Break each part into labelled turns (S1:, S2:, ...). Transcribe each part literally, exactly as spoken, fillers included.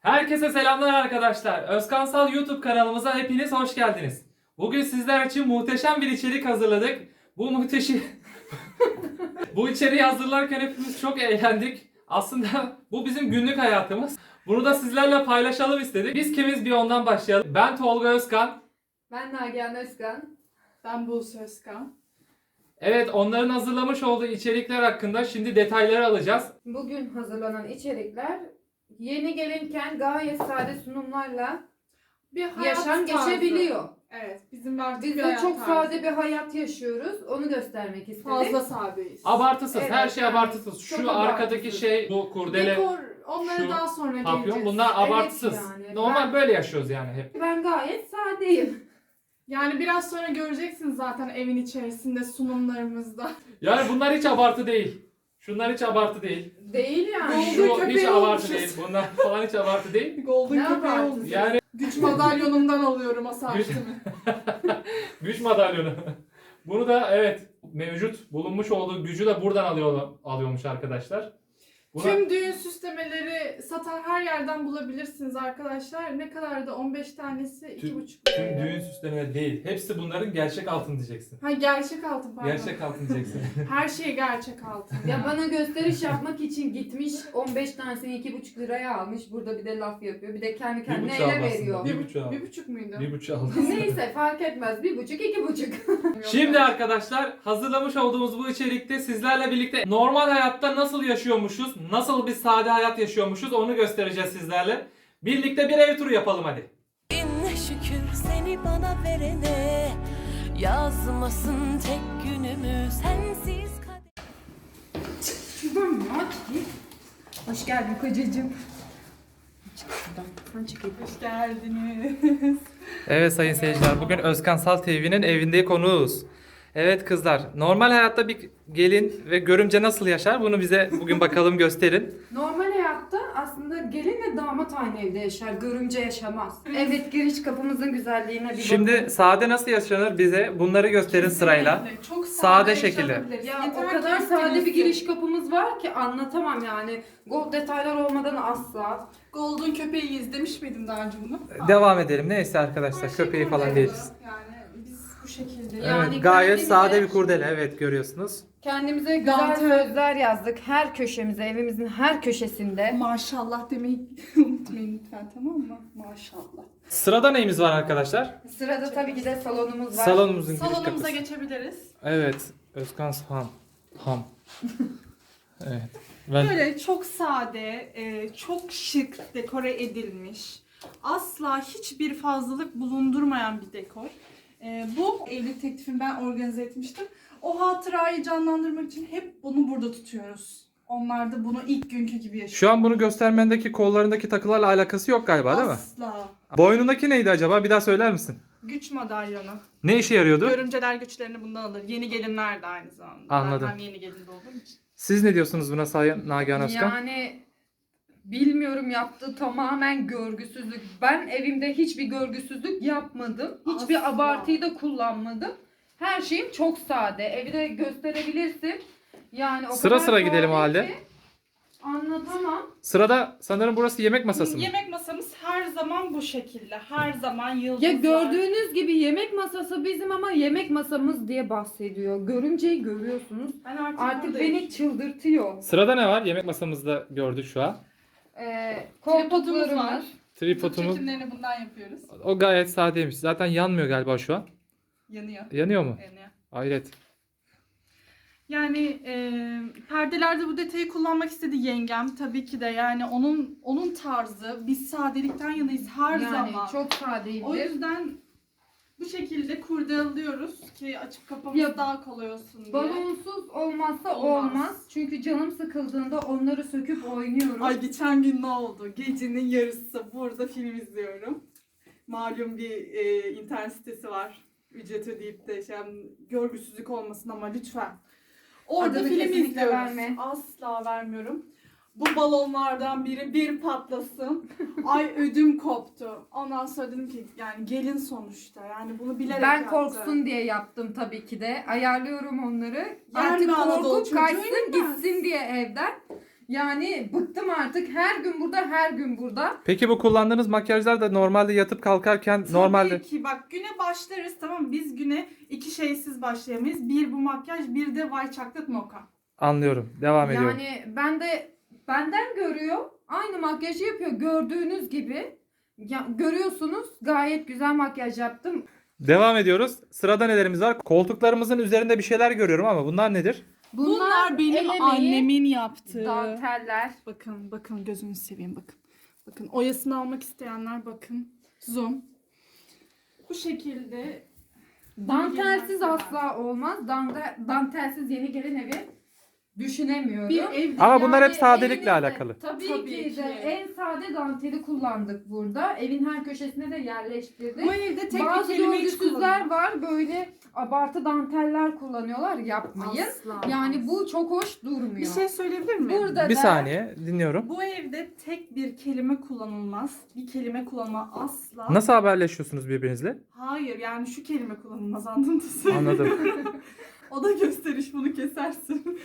S1: Herkese selamlar arkadaşlar. Özkansal YouTube kanalımıza hepiniz hoş geldiniz. Bugün sizler için muhteşem bir içerik hazırladık. Bu muhteşem Bu içeriği hazırlarken hepimiz çok eğlendik. Aslında bu bizim günlük hayatımız. Bunu da sizlerle paylaşalım istedik. Biz kimiz bir ondan başlayalım. Ben Tolga Özkan.
S2: Ben Nagihan Özkan.
S3: Ben Buse Özkan.
S1: Evet, onların hazırlamış olduğu içerikler hakkında şimdi detayları alacağız.
S2: Bugün hazırlanan içerikler yeni gelinken gayet sade sunumlarla
S3: Bir hayat
S2: yaşam
S3: tarzı.
S2: geçebiliyor.
S3: Evet, bizim artık
S2: Biz
S3: bir
S2: de
S3: hayat
S2: çok
S3: tarzı.
S2: sade bir hayat yaşıyoruz. Onu göstermek istedik.
S3: Fazla sadeyiz.
S1: Abartısız,
S2: Evet,
S1: her şey
S2: yani
S1: abartısız. Şu
S2: çok
S1: arkadaki
S2: abartısız.
S1: şey, bu kurdele,
S3: Dekor, onları
S1: şu
S3: daha sonra
S1: papyon,
S3: geleceğiz.
S1: bunlar abartısız.
S2: yani.
S1: Normal
S2: Ben-
S1: böyle yaşıyoruz yani hep.
S2: Ben gayet sadeyim.
S3: Yani biraz sonra göreceksiniz zaten evin içerisinde sunumlarımızda.
S1: Yani bunlar hiç abartı değil. Şunlar hiç abartı değil.
S2: Değil yani.
S1: Şu
S3: Golden
S1: hiç
S3: köpeği
S1: abartı
S3: olmuşuz.
S1: değil. Bunlar falan hiç abartı değil.
S3: Golden
S2: Ne
S3: köpeği
S2: abartısı?
S3: olmuş.
S1: Yani
S3: Güç madalyonumdan alıyorum asabimi.
S1: güç madalyonu. Bunu da evet mevcut bulunmuş olduğu gücü de buradan alıyor alıyormuş arkadaşlar. Buna
S3: Tüm düğün süslemeleri satan her yerden bulabilirsiniz arkadaşlar. Ne kadar da on beş tanesi iki
S1: Tüm-
S3: buçuk
S1: tüm
S3: lira.
S1: düğün süslemeleri değil. Hepsi bunların gerçek altın diyeceksin.
S3: Ha gerçek altın pardon.
S1: Gerçek altın diyeceksin.
S3: Her şey gerçek altın.
S2: Ya bana gösteriş yapmak için gitmiş on beş tanesini iki buçuk liraya almış. Burada bir de laf yapıyor. Bir de kendi
S1: bir
S2: kendine
S1: buçuk aldı
S2: ele
S1: aslında.
S2: veriyor.
S1: Bir buçuk aldı.
S3: Bir buçuk muydu?
S1: Bir buçuk aldı.
S2: Neyse fark etmez. Bir buçuk iki buçuk.
S1: Şimdi arkadaşlar hazırlamış olduğumuz bu içerikte sizlerle birlikte normal hayatta nasıl yaşıyormuşuz, nasıl bir sade hayat yaşıyormuşuz onu göstereceğiz sizlerle. Birlikte bir ev turu yapalım hadi.
S4: Ne şükür seni bana verene, yazmasın tek günümü sensiz kader.
S2: Şuradan mı aç? Hoş geldin kocacığım. Çık şuradan. Sen çık.
S3: Hoş geldiniz.
S1: Evet sayın seyirciler, bugün Özkansal T V'nin evinde konuğuz. Evet kızlar, normal hayatta bir gelin ve görümce nasıl yaşar bunu bize bugün bakalım gösterin.
S2: Normal hayatta aslında gelin ve damat aynı evde yaşar. Görümce yaşamaz. Evet, giriş kapımızın güzelliğine bir
S1: Şimdi
S2: bakın.
S1: sade nasıl yaşanır bize bunları gösterin sırayla.
S3: Kesinlikle. Çok
S1: Sade
S3: sade,
S1: şekilde.
S3: yaşanabiliriz.
S2: Ya
S3: Yeter
S2: o
S3: ki
S2: kadar sade bir
S3: istenilsin.
S2: giriş kapımız var ki anlatamam yani. Gold detaylar olmadan asla.
S3: Golden köpeği izlemiş miydin daha önce bunu?
S1: Devam edelim. Neyse arkadaşlar,
S3: Her şey
S1: köpeği falan
S3: kurdele.
S1: değiliz.
S3: Yani biz bu şekilde.
S2: Ya- Yani
S1: Evet, gayet
S2: kendimize-
S1: sade bir kurdele, evet görüyorsunuz.
S2: Kendimize güzel
S3: Dantel.
S2: sözler yazdık. Her köşemize, evimizin her köşesinde.
S3: Maşallah demeyi unutmayın lütfen, tamam mı? Maşallah.
S1: Sırada neyimiz var arkadaşlar?
S2: Sırada tabii ki de salonumuz var.
S1: Salonumuzun giriş
S3: Salonumuza
S1: kapısı.
S3: geçebiliriz.
S1: Evet, Özkan Ham. Ham. Evet. Ben...
S3: Böyle çok sade, e, çok şık dekore edilmiş. Asla hiçbir fazlalık bulundurmayan bir dekor. E, bu evlilik teklifini ben organize etmiştim. O hatırayı canlandırmak için hep bunu burada tutuyoruz. Onlar da bunu ilk günkü gibi yaşıyor.
S1: Şu an bunu göstermendeki kollarındaki takılarla alakası yok galiba değil mi?
S3: Asla.
S1: Boynundaki neydi acaba? Bir daha söyler misin?
S3: Güç madalyonu.
S1: Ne işe yarıyordu?
S3: Görümceler güçlerini bundan alır. Yeni gelinler de aynı zamanda.
S1: Anladım.
S3: Ben hem yeni gelin de olduğum için.
S1: Siz ne diyorsunuz buna Sayın Nagihan Özkan?
S2: Yani bilmiyorum, yaptığı tamamen görgüsüzlük. Ben evimde hiçbir görgüsüzlük yapmadım. Hiçbir
S3: Asla.
S2: abartıyı da kullanmadım. Her şeyim çok sade. Evi de gösterebilirsin. Yani o
S1: Sıra
S2: kadar
S1: sıra gidelim o
S2: sade
S1: halde.
S2: ki Anlatamam.
S1: Sırada sanırım burası yemek masası mı?
S3: Yemek masamız her zaman bu şekilde. Her zaman yıldızlar.
S2: Ya gördüğünüz gibi yemek masası bizim ama yemek masamız diye bahsediyor. Görümceyi görüyorsunuz.
S3: Ben artık,
S2: Artık
S3: buradayım.
S2: beni çıldırtıyor.
S1: Sırada ne var? Yemek masamızda gördük şu an.
S2: Ee,
S3: Tripodumuz
S2: koltuklarımız.
S3: var.
S1: Tripodumuz.
S3: Çekimlerini bundan yapıyoruz.
S1: O gayet sadeymiş. Zaten yanmıyor galiba şu an.
S3: Yanıyor.
S1: Yanıyor mu?
S3: Yanıyor.
S1: Hayret.
S3: Yani e, perdelerde bu detayı kullanmak istedi yengem tabii ki de, yani onun onun tarzı, biz sadelikten yanayız her
S2: Yani
S3: zaman.
S2: çok sadeyimdir.
S3: O yüzden bu şekilde kurdelliyoruz ki açıp kapamız
S2: Ya,
S3: daha kolay olsun diye.
S2: Balonsuz olmazsa
S3: Olmaz.
S2: olmaz. Çünkü canım sıkıldığında onları söküp oynuyorum.
S3: Ay geçen gün ne oldu? Gecenin yarısı burada film izliyorum. Malum bir e, internet sitesi var. Ücret ödeyip de şey, görgüsüzlük olmasın ama lütfen. Orada
S2: Adını
S3: film
S2: kesinlikle
S3: izliyoruz.
S2: verme.
S3: Asla vermiyorum. Bu balonlardan biri bir patlasın. Ay ödüm koptu. Ondan sonra dedim ki yani gelin sonuçta. Yani bunu bilerek
S2: Ben
S3: yaptı.
S2: korksun diye yaptım tabii ki de. Ayarlıyorum onları.
S3: Yer
S2: Artık
S3: mi Anadolu
S2: korkup
S3: çocuğu
S2: kaçsın
S3: inmez.
S2: gitsin diye evden. Yani bıktım artık. Her gün burada, her gün burada.
S1: Peki bu kullandığınız makyajlar da normalde yatıp kalkarken normalde...
S3: Tabii ki bak güne başlarız tamam mı? Biz güne iki şeysiz başlayamayız. Bir bu makyaj, bir de White Chocolate Mocha.
S1: Anlıyorum. Devam ediyorum.
S2: Yani ben de benden görüyor. Aynı makyajı yapıyor gördüğünüz gibi. Ya, görüyorsunuz gayet güzel makyaj yaptım.
S1: Devam ediyoruz. Sırada nelerimiz var? Koltuklarımızın üzerinde bir şeyler görüyorum ama bunlar nedir?
S3: Bunlar, benim
S2: el emeği,
S3: annemin yaptığı.
S2: danteller.
S3: Bakın bakın gözünü seveyim bakın. Bakın oyasını almak isteyenler bakın. Zoom. Bu şekilde
S2: Dantelsiz
S3: Yeni
S2: asla olmaz. Dante, dantelsiz yeni gelin evi düşünemiyorum.
S3: bir ev.
S1: Ama bunlar hep
S2: Yani
S1: sadelikle
S2: evinizde-
S1: alakalı.
S2: Tabii,
S3: Tabii
S2: ki,
S3: ki.
S2: de en sade danteli kullandık burada. Evin her köşesine de yerleştirdik.
S3: Bu evde tek
S2: Bazı
S3: bir kelime hiç
S2: görgüsüzler
S3: kullanılmaz.
S2: var böyle abartı danteller kullanıyorlar. Yapmayın.
S3: Asla.
S2: Yani bu çok hoş durmuyor.
S3: Bir şey söyleyebilir miyim?
S2: Burada
S1: Bir
S2: da
S1: saniye dinliyorum.
S3: Bu evde tek bir kelime kullanılmaz. Bir kelime kullanma asla.
S1: Nasıl haberleşiyorsunuz birbirinizle?
S3: Hayır yani şu kelime kullanılmaz anladın mı?
S1: Anladım.
S3: O da gösteriş bunu kesersin.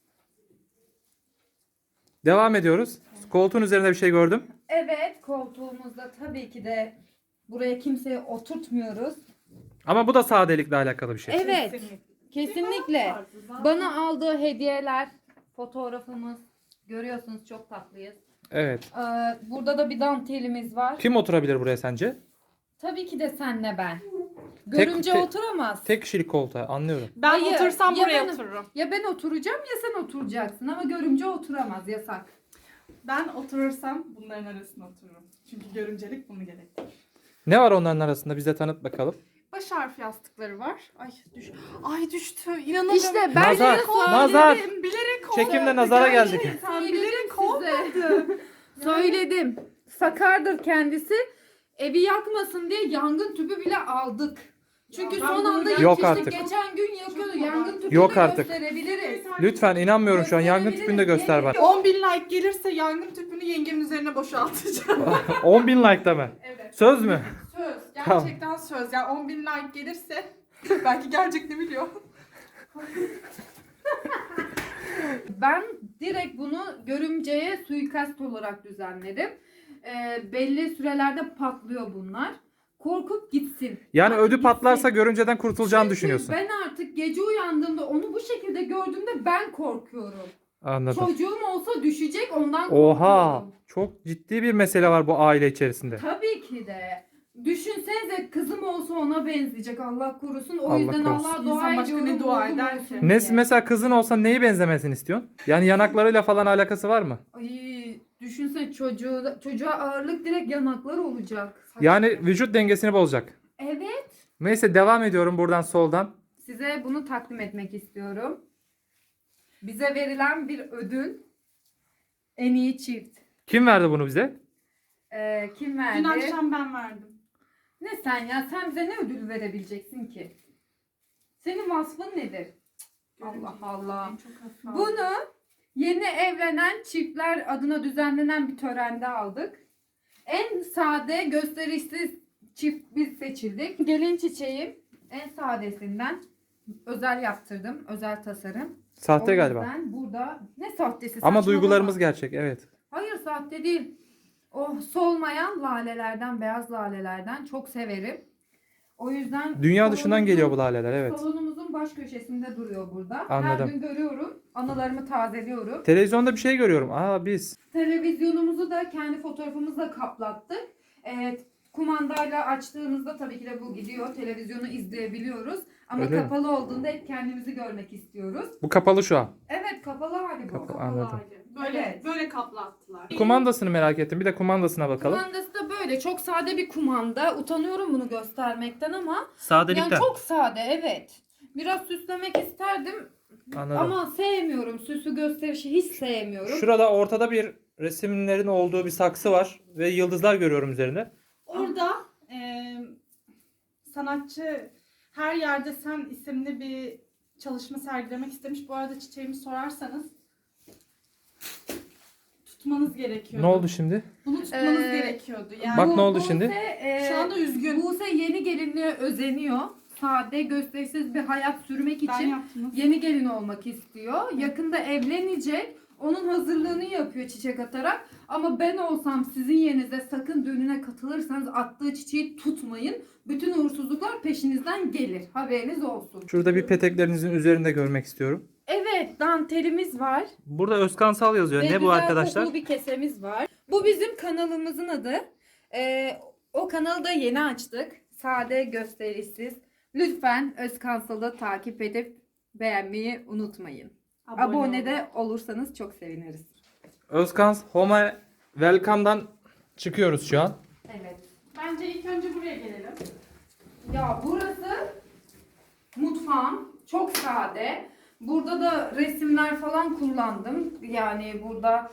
S1: Devam ediyoruz. Koltuğun üzerinde bir şey gördüm.
S2: evet, koltuğumuzda tabii ki de buraya kimseyi oturtmuyoruz.
S1: Ama bu da sadelikle alakalı bir şey.
S2: Evet.
S3: Kesinlikle.
S2: Kesinlikle.
S3: Tarzı zaten.
S2: Bana aldığı hediyeler, fotoğrafımız. Görüyorsunuz çok tatlıyız.
S1: Evet.
S2: Ee, burada da bir dantelimiz var.
S1: Kim oturabilir buraya sence?
S2: Tabii ki de senle ben. Görümce
S1: tek-
S2: oturamaz.
S1: Tek kişilik koltuğa anlıyorum.
S3: Ben
S2: Hayır,
S3: otursam
S2: ya
S3: buraya
S2: ben-
S3: otururum.
S2: Ya ben oturacağım ya sen oturacaksın ama görümce oturamaz, yasak.
S3: Ben oturursam bunların arasına otururum. Çünkü görümcelik bunu gerektirir.
S1: Ne var onların arasında bize tanıt bakalım.
S3: Baş harfi yastıkları var. Ay düş. Ay düştü. İnanamıyorum.
S2: İşte ben
S1: Nazar,
S2: size söyledim.
S1: nazar.
S3: Bilerek oldu.
S1: Çekimle nazara geldik.
S3: Sen
S2: Söyledim
S3: bilerek
S2: size.
S3: olmadı.
S2: Söyledim. Sakardır kendisi. Evi yakmasın diye yangın tüpü bile aldık. Çünkü
S3: Ya ben
S2: son
S3: bunu
S2: anda
S3: gerçekten-
S1: Yok
S2: yetiştik.
S1: artık.
S2: Geçen gün yakıyordu.
S3: Çok
S2: Yangın
S3: abartı.
S2: tüpünü
S1: Yok
S2: de
S1: artık.
S2: gösterebiliriz.
S1: Lütfen inanmıyorum şu an. Yangın tüpünü de göster bak.
S3: on bin like gelirse yangın tüpünü yengemin üzerine boşaltacağım.
S1: on bin like'da mı?
S3: Evet.
S1: Söz mü?
S3: Söz.
S1: Tamam.
S3: Gerçekten söz. Yani on bin like gelirse belki gelecek ne biliyor.
S2: Ben direkt bunu görümceye suikast olarak düzenledim. Ee, belli sürelerde patlıyor bunlar. Korkup gitsin.
S1: Yani
S2: Hadi
S1: ödü
S2: gitsin.
S1: patlarsa görümceden kurtulacağını
S2: Çünkü
S1: düşünüyorsun.
S2: ben artık gece uyandığımda onu bu şekilde gördüğümde ben korkuyorum.
S1: Anladım.
S2: Çocuğum olsa düşecek ondan
S1: Oha!
S2: korkuyorum.
S1: Çok ciddi bir mesele var bu aile içerisinde.
S2: Tabii ki de. Düşünsenize kızım olsa ona benzeyecek Allah korusun. O
S1: Allah
S2: yüzden
S1: korusun.
S2: Allah'a dua
S3: İnsan başka ne
S2: ediyorum.
S3: dua
S2: oğlum
S3: eder
S2: olsun
S3: ki?
S2: diye.
S1: Ne mesela kızın olsa neyi benzemesini istiyorsun? Yani yanaklarıyla falan alakası var mı?
S2: Ay, düşünsene çocuğu, çocuğa ağırlık direkt yanakları olacak. Saçma.
S1: Yani vücut dengesini bozacak.
S2: Evet.
S1: Neyse devam ediyorum buradan soldan.
S2: Size bunu takdim etmek istiyorum. Bize verilen bir ödül. En iyi çift.
S1: Kim verdi bunu bize?
S2: Ee, kim verdi?
S3: Dün akşam ben verdim.
S2: Ne sen ya? Sen bize ne ödül verebileceksin ki? Senin vasfın nedir? Allah Allah.
S3: En çok hafif aldım.
S2: Bunu yeni evlenen çiftler adına düzenlenen bir törende aldık. En sade, gösterişsiz çift biz seçildik. Gelin çiçeğim en sadesinden özel yaptırdım. Özel tasarım.
S1: Sahte
S2: O
S1: galiba.
S2: yüzden burada ne sahtesi?
S1: Ama
S2: saçmalama.
S1: duygularımız gerçek evet.
S2: Hayır sahte değil. O solmayan lalelerden, beyaz lalelerden çok severim. O yüzden
S1: Dünya dışından
S2: salonumuzun-
S1: geliyor bu laleler evet.
S2: Salonumuzun baş köşesinde duruyor burada.
S1: Anladım.
S2: Her gün görüyorum. Anılarımı tazeliyorum.
S1: Televizyonda bir şey görüyorum. Aa biz.
S2: Televizyonumuzu da kendi fotoğrafımızla kaplattık. Evet, kumandayla açtığımızda tabii ki de bu gidiyor. Televizyonu izleyebiliyoruz. Ama
S1: Öyle mi?
S2: kapalı olduğunda hep kendimizi görmek istiyoruz.
S1: Bu kapalı şu an.
S2: Evet, kapalı hali bu.
S1: Kapalı.
S3: Kapalı
S1: Anladım.
S3: hali. Böyle
S2: Evet.
S3: böyle kaplattılar.
S1: Kumandasını merak ettim. Bir de kumandasına bakalım.
S2: Kumandası da böyle. Çok sade bir kumanda. Utanıyorum bunu göstermekten ama
S1: Sadelikten.
S2: yani çok sade, evet. Biraz süslemek isterdim
S1: Anladım.
S2: ama sevmiyorum. Süsü gösterişi hiç sevmiyorum.
S1: Şurada ortada bir resimlerin olduğu bir saksı var ve yıldızlar görüyorum üzerinde.
S3: Orada e, sanatçı Her Yerde Sen isimli bir çalışma sergilemek istemiş. Bu arada çiçeğimi sorarsanız tutmanız gerekiyordu.
S1: Ne oldu şimdi?
S3: Bunu tutmanız
S2: Ee,
S3: gerekiyordu. Yani
S1: Bak
S2: Bu-
S1: ne oldu
S2: Buse,
S1: şimdi?
S2: e,
S3: şu anda üzgün.
S2: Buse yeni gelinliğe özeniyor. sade, gösterişsiz bir hayat sürmek
S3: Ben
S2: için
S3: yaptınız.
S2: yeni gelin olmak istiyor. Yakında evlenecek. Onun hazırlığını yapıyor çiçek atarak. Ama ben olsam sizin yerinize sakın düğününe katılırsanız attığı çiçeği tutmayın. Bütün uğursuzluklar peşinizden gelir. Haberiniz olsun.
S1: Şurada bir peteklerinizin üzerinde görmek istiyorum.
S2: Evet, dantelimiz var.
S1: Burada Özkansal yazıyor.
S2: Ve
S1: Ne bu
S2: güzel
S1: arkadaşlar?
S2: kokulu bir kesemiz var. Bu bizim kanalımızın adı. Ee, o kanalı da yeni açtık. Sade, gösterişsiz. Lütfen Özkansal'ı takip edip beğenmeyi unutmayın.
S3: Abone
S2: Abone,
S3: olun.
S2: de olursanız çok seviniriz.
S1: Özkans Home Welcome'dan çıkıyoruz şu an.
S2: Evet.
S3: Bence ilk önce buraya gelelim.
S2: Ya burası mutfağım. Çok sade. Burada da resimler falan kullandım. Yani burada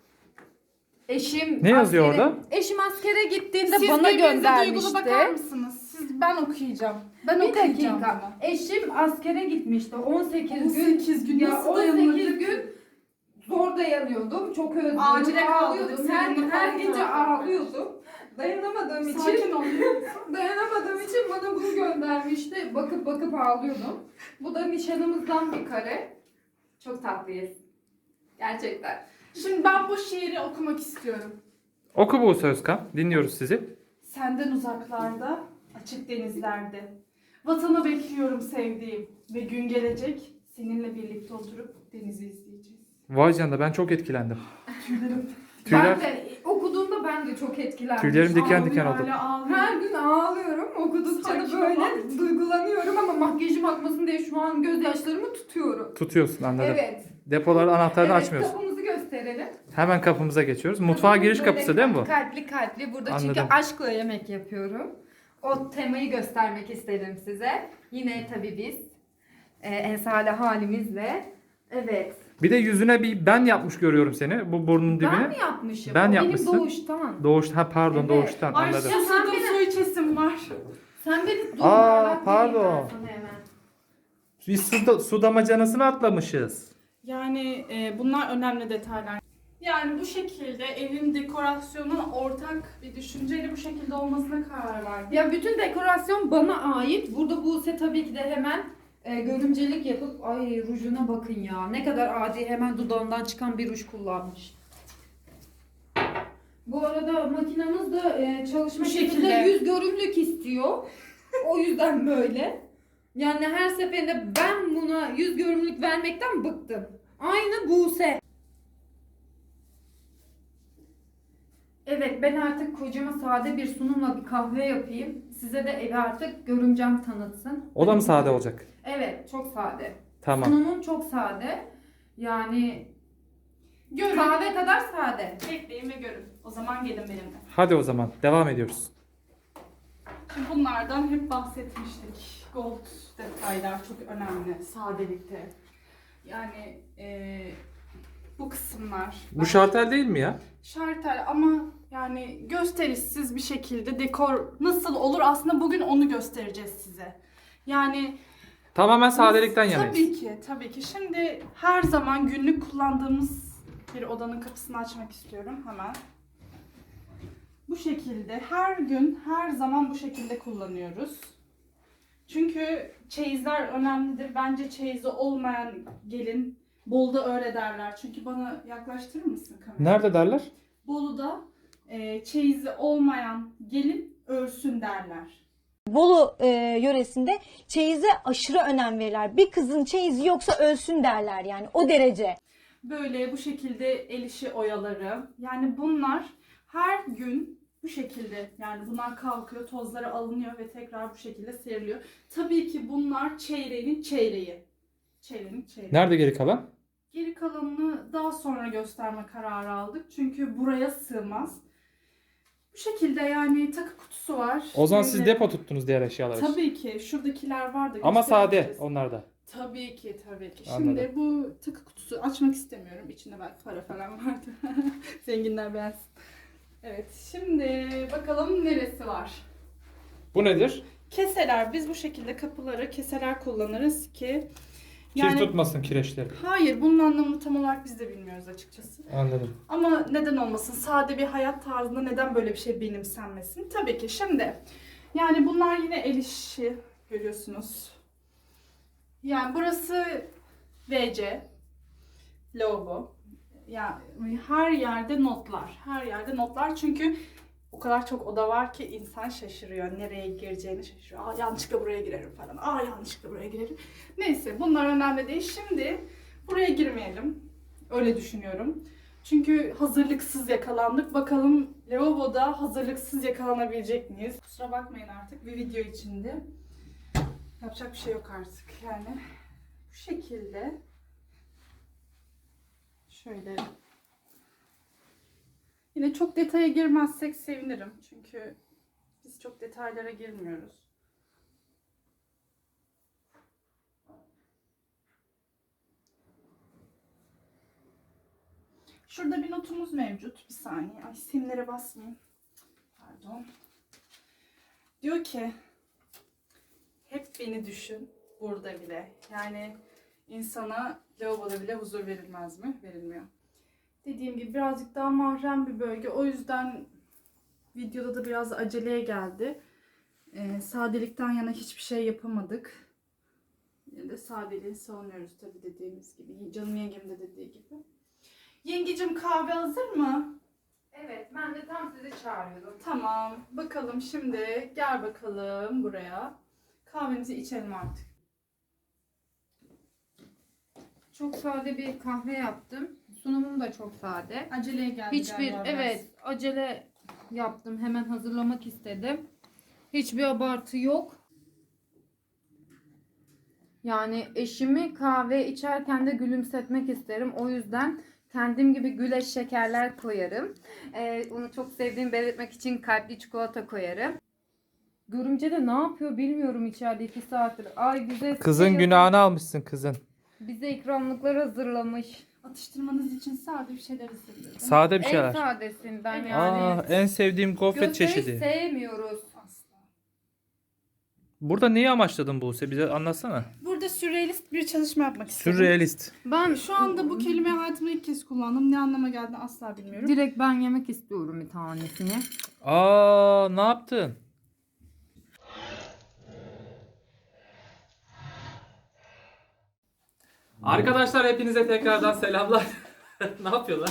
S2: eşim
S1: Ne yazıyor
S2: askere-
S1: orada?
S2: Eşim askere gittiğinde
S3: Siz
S2: bana
S3: birbirinize duygulu bakar
S2: göndermişti.
S3: mısınız? Siz ben okuyacağım. Ben
S2: Bir
S3: okuyacağım
S2: dakika.
S3: bunu.
S2: Eşim askere gitmişti. on sekiz
S3: on sekiz gün
S2: Ya
S3: nasıl
S2: on sekiz
S3: dayanılır?
S2: gün zor dayanıyordum. Çok özlüyordum.
S3: Acile
S2: ağlıyordum.
S3: kaldırdık,
S2: Her,
S3: seninle
S2: her
S3: falan
S2: gece
S3: kaldırdık.
S2: ağlıyordum. Dayanamadığım için
S3: Sakin ol.
S2: dayanamadığım için bana bunu göndermişti. Bakıp bakıp ağlıyordum. Bu da nişanımızdan bir kare. Çok tatlıyız. Gerçekten.
S3: Şimdi ben bu şiiri okumak istiyorum.
S1: Oku Buse Özkan. Dinliyoruz sizi.
S3: Senden uzaklarda, açık denizlerde. Vatanı bekliyorum sevdiğim ve gün gelecek seninle birlikte oturup denizi izleyeceğiz.
S1: Vay canına ben çok etkilendim.
S3: Tüylerim,
S1: Tüyler,
S2: Ben de okuduğumda ben de çok etkilendim.
S1: tüylerim diken
S3: ağlıyor,
S1: diken oldu.
S3: hala ağlıyor.
S2: Her gün ağlıyorum. Okudukça da
S3: Sakin
S2: böyle
S3: ol.
S2: duygulanıyorum ama makyajım akmasın diye şu an gözyaşlarımı tutuyorum.
S1: Tutuyorsun anladım.
S2: Evet.
S1: Depoların anahtarını
S2: Evet,
S1: açmıyorsun.
S2: kapımızı gösterelim.
S1: Hemen kapımıza geçiyoruz. Mutfağa giriş
S2: Böyle
S1: kapısı değil mi bu?
S2: Kalpli kalpli. Burada çünkü
S1: Anladım.
S2: aşkla yemek yapıyorum. O temayı göstermek istedim size. Yine tabii biz. E, en sade halimizle. Evet.
S1: Bir de yüzüne bir ben yapmış görüyorum seni. Bu burnun dibine.
S2: Ben mi yapmışım?
S1: Ben
S2: O
S1: yapmışsın.
S2: Benim doğuştan.
S1: Doğuş, ha pardon
S2: Evet.
S1: doğuştan
S3: Ay
S1: anladım.
S3: susadım, su içesim var.
S2: Sen beni dur.
S1: Aa,
S2: bak,
S1: pardon.
S2: vereyim ben sana hemen.
S1: Biz su, da- su damacanasını atlamışız.
S3: Yani e, bunlar önemli detaylar. Yani bu şekilde evin dekorasyonun ortak bir düşünceyle bu şekilde olmasına karar verdim.
S2: Ya bütün dekorasyon bana ait. Burada Buse tabii ki de hemen e, görümcelik yapıp ay rujuna bakın ya. Ne kadar adi, hemen dudağından çıkan bir ruj kullanmış. Bu arada makinamız da e, çalışma
S3: Bu
S2: şekilde
S3: şekilde.
S2: yüz görümlük istiyor. O yüzden böyle. Yani her seferinde ben buna yüz görümlük vermekten bıktım. Aynı Buse. Evet, ben artık kocama sade bir sunumla bir kahve yapayım. Size de evi artık görümcem tanıtsın.
S1: O da mı sade olacak?
S2: Evet, çok sade.
S1: Tamam.
S2: Sunumum çok sade. Yani
S3: Görün.
S2: kahve kadar sade.
S3: Bekleyin ve görün. O zaman gelin benimle.
S1: Hadi o zaman devam ediyoruz.
S3: Şimdi bunlardan hep bahsetmiştik. Gold detaylar çok önemli sadelikte. Yani e, bu kısımlar.
S1: Bu şartel değil mi ya?
S3: Şartel ama yani gösterişsiz bir şekilde dekor nasıl olur aslında bugün onu göstereceğiz size. Yani
S1: Tamamen sadelikten
S3: tabii
S1: yanayız.
S3: ki tabii ki. Şimdi her zaman günlük kullandığımız bir odanın kapısını açmak istiyorum hemen. Bu şekilde her gün her zaman bu şekilde kullanıyoruz. Çünkü çeyizler önemlidir. Bence çeyizi olmayan gelin Bolu'da öyle derler. Çünkü bana yaklaştırır mısın kamerayı?
S1: Nerede derler?
S3: Bolu'da e, çeyizi olmayan gelin örsün derler.
S5: Bolu e, yöresinde çeyize aşırı önem verirler. Bir kızın çeyizi yoksa ölsün derler yani o derece.
S3: Böyle bu şekilde el işi oyaları. Yani bunlar her gün bu şekilde yani bunlar kalkıyor, tozları alınıyor ve tekrar bu şekilde seriliyor. Tabii ki bunlar çeyreğinin çeyreği. Çeyreğinin çeyreği.
S1: Nerede geri kalan?
S3: Geri kalanını daha sonra gösterme kararı aldık. Çünkü buraya sığmaz. Bu şekilde yani takı kutusu var.
S1: O zaman siz
S3: Böyle-
S1: depo tuttunuz diğer eşyalar için.
S3: Tabii ki şuradakiler vardı.
S1: Ama sade
S3: göstereceğiz.
S1: onlar da.
S3: Tabii ki tabii ki.
S1: Anladım.
S3: Şimdi bu takı kutusu açmak istemiyorum. İçinde belki para falan vardı. Zenginler beğensin. Evet şimdi bakalım neresi var.
S1: Bu nedir?
S3: Keseler. Biz bu şekilde kapıları keseler kullanırız ki
S1: Kir tutmasın kireçleri.
S3: hayır bunun anlamını tam olarak biz de bilmiyoruz açıkçası.
S1: Anladım.
S3: Ama neden olmasın? Sade bir hayat tarzında neden böyle bir şey benimsenmesin? Tabii ki. Şimdi yani bunlar yine el işi Görüyorsunuz. Yani burası V C. Lavabo. Yani her yerde notlar. Her yerde notlar çünkü o kadar çok oda var ki insan şaşırıyor. Nereye gireceğini şaşırıyor. Aa yanlışlıkla buraya girerim falan. Aa yanlışlıkla buraya girerim. Neyse bunlar önemli değil. Şimdi buraya girmeyelim. Öyle düşünüyorum. Çünkü hazırlıksız yakalandık. Bakalım lavaboda hazırlıksız yakalanabilecek miyiz? Kusura bakmayın artık bir video içinde. Yapacak bir şey yok artık yani. Bu şekilde. Şöyle. Yine çok detaya girmezsek sevinirim. Çünkü biz çok detaylara girmiyoruz. Şurada bir notumuz mevcut. Bir saniye. Ay simlere basmayayım. Pardon. Diyor ki hep beni düşün burada bile. Yani insana lavaboda bile huzur verilmez mi? Verilmiyor. Dediğim gibi birazcık daha mahrem bir bölge. O yüzden videoda da biraz aceleye geldi. Ee, sadelikten yana hiçbir şey yapamadık. Yine de sadeliği savunuyoruz tabii dediğimiz gibi. Canım yengem de dediği gibi. Yengecim kahve hazır mı?
S2: Evet, ben de tam sizi çağırıyordum.
S3: Tamam. Bakalım şimdi. Gel bakalım buraya. Kahvemizi içelim artık.
S2: Çok sade bir kahve yaptım. Sunumum da çok sade.
S3: Aceleye geldi
S2: Hiçbir
S3: galiba biraz.
S2: evet acele yaptım. Hemen hazırlamak istedim. Hiçbir abartı yok. Yani eşimi kahve içerken de gülümsetmek isterim. O yüzden kendim gibi güleç şekerler koyarım. Ee, onu çok sevdiğimi belirtmek için kalpli çikolata koyarım. Görümce de ne yapıyor bilmiyorum içeride iki saattir. Ay bize
S1: Kızın
S2: şey-
S1: günahını almışsın kızın.
S2: Bize ikramlıklar hazırlamış.
S3: Atıştırmanız için sade bir şeyler istedim.
S1: Sade bir
S2: En
S1: şeyler.
S2: sadesinden
S3: Evet.
S2: yani.
S1: Aa, en sevdiğim gofret
S2: Gösteri
S1: çeşidi.
S2: sevmiyoruz.
S3: Asla.
S1: Burada neyi amaçladın Buse? Bize anlatsana.
S3: Burada sürrealist bir çalışma yapmak istedim.
S1: Sürrealist.
S2: Ben
S3: Şu anda bu kelimeyi hayatımda ilk kez kullandım. Ne anlama geldiğini asla bilmiyorum.
S2: direkt ben yemek istiyorum bir tanesini.
S1: Aa, ne yaptın? Arkadaşlar hepinize tekrardan selamlar. Ne yapıyorlar?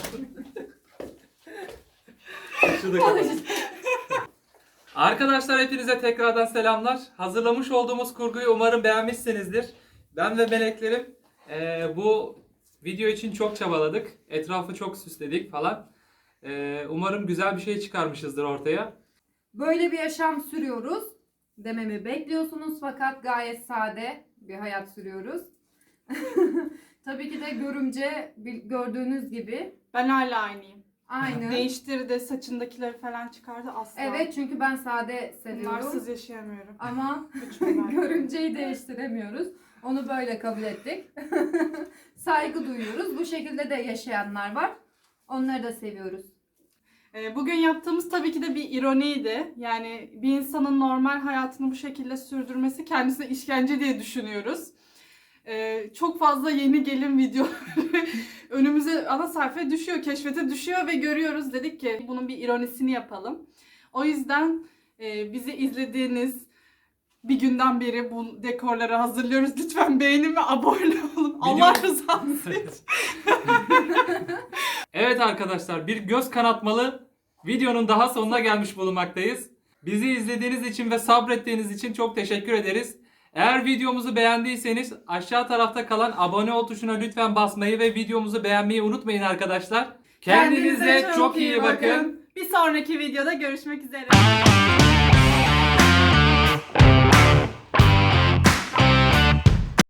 S1: Şurada kapat. Arkadaşlar hepinize tekrardan selamlar. Hazırlamış olduğumuz kurguyu umarım beğenmişsinizdir. Ben ve meleklerim eee, bu video için çok çabaladık. Etrafı çok süsledik falan. Eee, umarım güzel bir şey çıkarmışızdır ortaya.
S2: Böyle bir yaşam sürüyoruz dememi bekliyorsunuz fakat gayet sade bir hayat sürüyoruz. Tabii ki de görümce bil- gördüğünüz gibi
S3: Ben hala aynıyım.
S2: aynı.
S3: Değiştirdi, saçındakileri falan çıkardı asla.
S2: Evet çünkü ben sade seviyorum
S3: Bunlarsız yaşayamıyorum.
S2: ama
S3: Lütfen.
S2: görümceyi değiştiremiyoruz. Onu böyle kabul ettik. Saygı duyuyoruz. Bu şekilde de yaşayanlar var. Onları da seviyoruz.
S3: Ee, Bugün yaptığımız tabii ki de bir ironiydi. Yani bir insanın normal hayatını bu şekilde sürdürmesi kendisine işkence diye düşünüyoruz. Ee, çok fazla yeni gelin video önümüze ana sayfaya düşüyor, keşfete düşüyor ve görüyoruz. Dedik ki bunun bir ironisini yapalım. O yüzden e, bizi izlediğiniz bir günden beri bu dekorları hazırlıyoruz. Lütfen beğenin ve abone olun. Allah rızası için.
S1: Evet arkadaşlar, bir göz kanatmalı videonun daha sonuna gelmiş bulunmaktayız. Bizi izlediğiniz için ve sabrettiğiniz için çok teşekkür ederiz. Eğer videomuzu beğendiyseniz aşağı tarafta kalan abone ol tuşuna lütfen basmayı ve videomuzu beğenmeyi unutmayın arkadaşlar. Kendinize, çok iyi bakın.
S3: Bir sonraki videoda görüşmek üzere.